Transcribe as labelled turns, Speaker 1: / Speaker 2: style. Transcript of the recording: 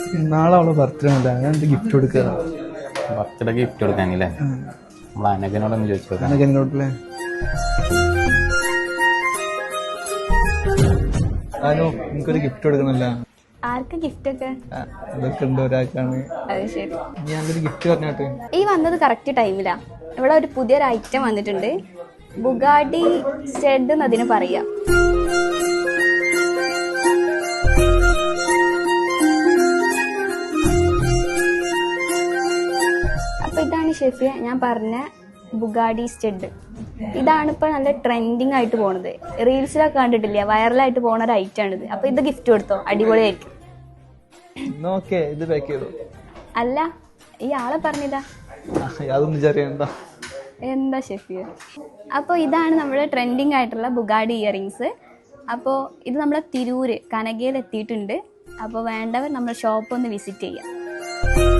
Speaker 1: നാളെ അവളെ ബർത്ത്ഡേ ഉണ്ട്, ഞാൻ എന്ത് ഗിഫ്റ്റ് കൊടുക്കുക?
Speaker 2: ബർത്ത്ഡേ ഗിഫ്റ്റ് കൊടുക്കാനല്ലേ? നമ്മൾ അനഘനോടൊന്ന് ചോദിച്ചു.
Speaker 1: അനഘനോടല്ലേ? ആനോ, എനിക്കൊരു ഗിഫ്റ്റ് കൊടുക്കണല്ല.
Speaker 3: ആർക്ക് ഗിഫ്റ്റ് ഒക്കെ?
Speaker 1: അതൊക്കെ ഉണ്ട്, ഒരാൾക്കാണ്.
Speaker 3: അത് ശരി,
Speaker 1: ഞാനൊരു ഗിഫ്റ്റ് പറഞ്ഞോട്ടെ.
Speaker 3: ഈ വന്നത് കറക്റ്റ് ടൈമിലാ. ഇവിടെ ഒരു പുതിയൊരു ഐറ്റം വന്നിട്ടുണ്ട്, ബുഗാഡി സ്റ്റെഡ് എന്നതിന് പറയാം. അപ്പൊ ഇതാണ് ഷെഫിയ ഞാൻ പറഞ്ഞ ബുഗാഡി സ്റ്റെഡ്. ഇതാണ് ഇപ്പൊ നല്ല ട്രെൻഡിങ് ആയിട്ട് പോണത്. റീൽസിലൊക്കെ കണ്ടിട്ടില്ല, വൈറലായിട്ട് പോണ ഒരു ഐറ്റം ആണിത്. അപ്പൊ ഇത് ഗിഫ്റ്റ് കൊടുത്തോ, അടിപൊളിയായിരിക്കും.
Speaker 1: ഇത് പാക്ക് ചെയ്തോ?
Speaker 3: അല്ല, ഈ ആളെ പറഞ്ഞില്ല.
Speaker 1: അതൊന്നും ചെറിയണ്ട.
Speaker 3: എന്താ ഷെഫിയ? അപ്പോൾ ഇതാണ് നമ്മുടെ ട്രെൻഡിങ് ആയിട്ടുള്ള ബുഗാഡി ഇയറിങ്സ്. അപ്പോൾ ഇത് നമ്മളെ തിരൂര് കനകയിൽ എത്തിയിട്ടുണ്ട്. അപ്പോൾ വേണ്ടവർ നമ്മുടെ ഷോപ്പ് ഒന്ന് വിസിറ്റ് ചെയ്യാം.